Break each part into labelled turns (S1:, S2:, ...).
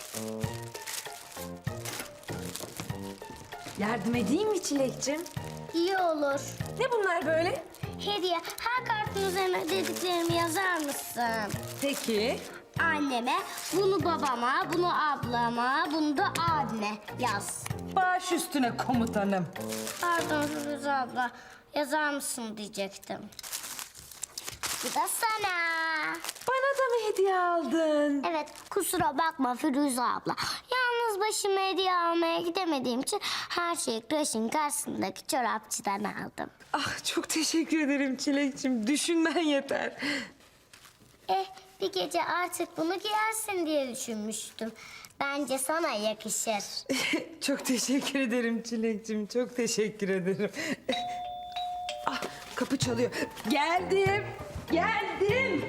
S1: Yardım edeyim mi Çilek'cim?
S2: İyi olur.
S1: Ne bunlar böyle?
S2: Hediye, her kartın üzerine dediklerimi yazar mısın?
S1: Peki.
S2: Anneme, bunu babama, bunu ablama, bunu da abime yaz.
S1: Baş üstüne komutanım.
S2: Pardon Firuze abla, yazar mısın diyecektim. Bu da sana.
S1: Bana da mı hediye aldın?
S2: Evet, kusura bakma Firuze abla. Yalnız başıma hediye almaya gidemediğim için her şeyi kreşin karşısındaki çorapçıdan aldım.
S1: Ah, çok teşekkür ederim Çilek'cim. Düşünmen yeter.
S2: Bir gece artık bunu giyersin diye düşünmüştüm. Bence sana yakışır.
S1: Çok teşekkür ederim Çilek'cim. Çok teşekkür ederim. Ah, kapı çalıyor. Geldim. Geldim.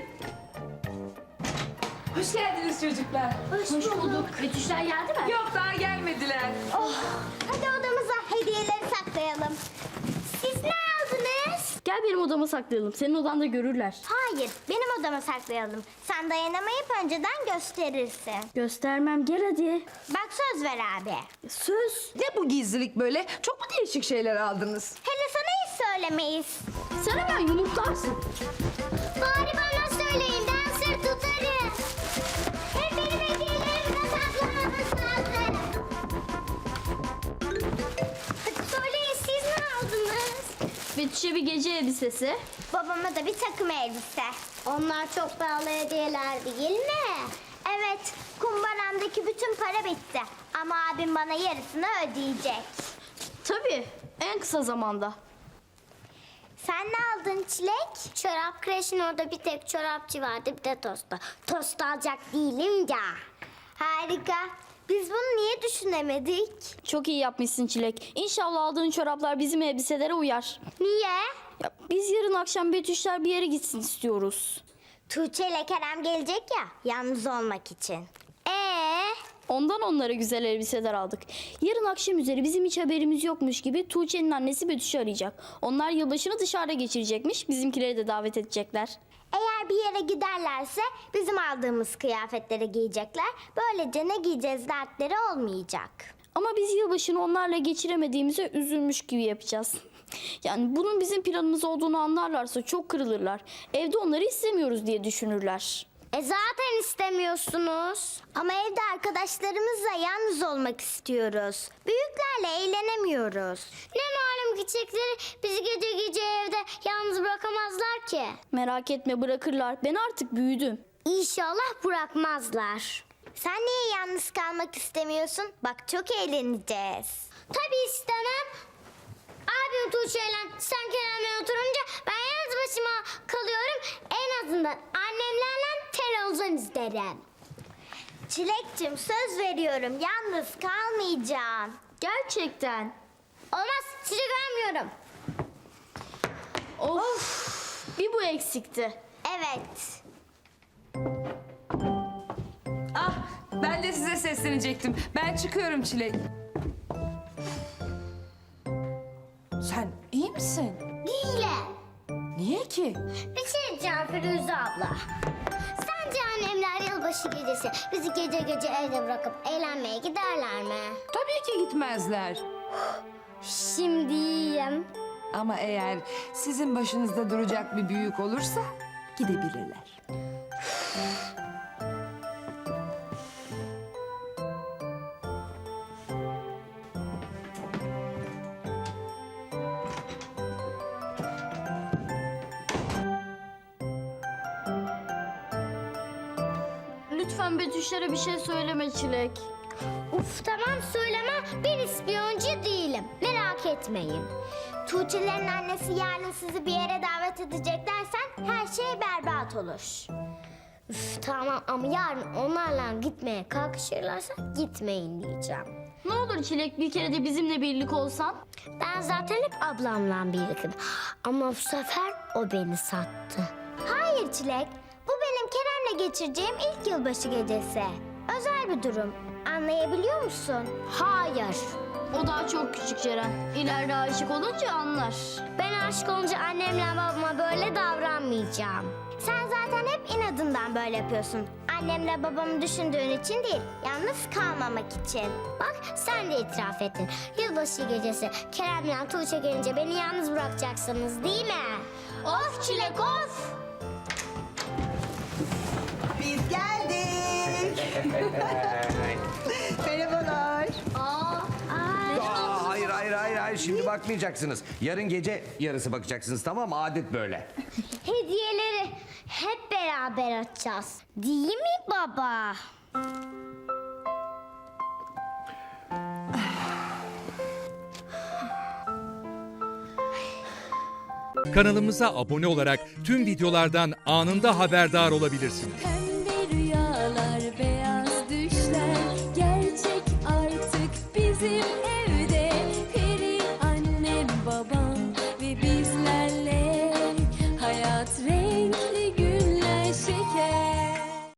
S1: Hoş geldiniz çocuklar.
S2: Hoş bulduk. Betüşler geldi mi?
S1: Yok, daha gelmediler.
S2: Hadi odamıza hediyeleri saklayalım. Siz ne aldınız?
S3: Gel benim odama saklayalım. Senin odanda görürler.
S2: Hayır, benim odama saklayalım. Sen dayanamayıp önceden gösterirsin.
S3: Göstermem, gel hadi.
S2: Bak söz ver abi.
S3: Söz.
S1: Ne bu gizlilik böyle? Çok mu değişik şeyler aldınız?
S2: Hele sana hiç söylemeyiz.
S3: Sen hemen yumurtlarsın.
S2: Bari bana söyleyin, ben sır tutarım. Hep benim hediyelerimi saklamamız lazım. Hadi söyleyin, siz ne aldınız?
S3: Betüş'e bir gece elbisesi.
S2: Babama da bir takım elbise. Onlar çok pahalı hediyeler değil mi? Evet, kumbaramdaki bütün para bitti. Ama abim bana yarısını ödeyecek.
S3: Tabii, en kısa zamanda.
S2: Sen ne aldın Çilek? Çorap kreşin orada bir tek çorapçı vardı, bir de tosta. Tost alacak değilim ya. Harika. Biz bunu niye düşünemedik?
S3: Çok iyi yapmışsın Çilek. İnşallah aldığın çoraplar bizim elbiselere uyar.
S2: Niye?
S3: Ya, biz yarın akşam Betüşler bir yere gitsin istiyoruz.
S2: Tuğçe ile Kerem gelecek ya, yalnız olmak için.
S3: Ondan onlara güzel elbiseler aldık. Yarın akşam üzeri bizim hiç haberimiz yokmuş gibi Tuğçe'nin annesi Betüş'ü arayacak. Onlar yılbaşını dışarıda geçirecekmiş. Bizimkileri de davet edecekler.
S2: Eğer bir yere giderlerse bizim aldığımız kıyafetleri giyecekler. Böylece ne giyeceğiz dertleri olmayacak.
S3: Ama biz yılbaşını onlarla geçiremediğimize üzülmüş gibi yapacağız. Yani bunun bizim planımız olduğunu anlarlarsa çok kırılırlar. Evde onları istemiyoruz diye düşünürler.
S2: Zaten istemiyorsunuz. Ama evde arkadaşlarımızla yalnız olmak istiyoruz. Büyüklerle eğlenemiyoruz. Ne malum küçükleri bizi gece gece evde yalnız bırakamazlar ki.
S3: Merak etme, bırakırlar. Ben artık büyüdüm.
S2: İnşallah bırakmazlar. Sen niye yalnız kalmak istemiyorsun? Bak çok eğleneceğiz. Tabii istemem. Abim Tuğçe'yle sen Kerem'le oturunca ben yalnız başıma kalıyorum. En azından annemlerle televizyon izlerim. Çilek'cim söz veriyorum yalnız kalmayacağım.
S3: Gerçekten.
S2: Olmaz çilek vermiyorum.
S3: Of. Bir bu eksikti.
S2: Evet.
S1: Ah, ben de size seslenecektim. Ben çıkıyorum Çilek. Sen iyi misin?
S2: Değilim.
S1: Niye ki?
S2: Bir şey diyeceğim Firuze abla. Sence annemler yılbaşı gecesi bizi gece gece evde bırakıp eğlenmeye giderler mi?
S1: Tabii ki gitmezler.
S2: Şimdi yiyeyim.
S1: Ama eğer sizin başınızda duracak bir büyük olursa gidebilirler.
S3: Lütfen Betüşlere bir şey söyleme Çilek.
S2: Uf tamam söyleme, ben ispiyoncu değilim. Merak etmeyin. Tuğçe'lerin annesi yarın sizi bir yere davet edecek dersen her şey berbat olur. Üf tamam ama yarın onlarla gitmeye kalkışırlarsa gitmeyin diyeceğim.
S3: Ne olur Çilek, bir kere de bizimle birlik olsan.
S2: Ben zaten hep ablamla birliktim. Ama bu sefer o beni sattı. Hayır Çilek. Bu benim Kerem'le geçireceğim ilk yılbaşı gecesi. Özel bir durum. Anlayabiliyor musun? Hayır.
S3: O daha çok küçük Ceren. İleride aşık olunca anlar.
S2: Ben aşık olunca annemle babama böyle davranmayacağım. Sen zaten hep inadından böyle yapıyorsun. Annemle babamı düşündüğün için değil, yalnız kalmamak için. Bak sen de itiraf ettin. Yılbaşı gecesi Kerem'le Tuğçe gelince beni yalnız bırakacaksınız değil mi? Of Çilek of!
S4: Biz geldik. Merhabalar.
S5: Hayır, şimdi bakmayacaksınız. Yarın gece yarısı bakacaksınız, tamam mı? Adet böyle.
S2: Hediyeleri hep beraber açacağız. Değil mi baba?
S6: Kanalımıza abone olarak tüm videolardan anında haberdar olabilirsiniz.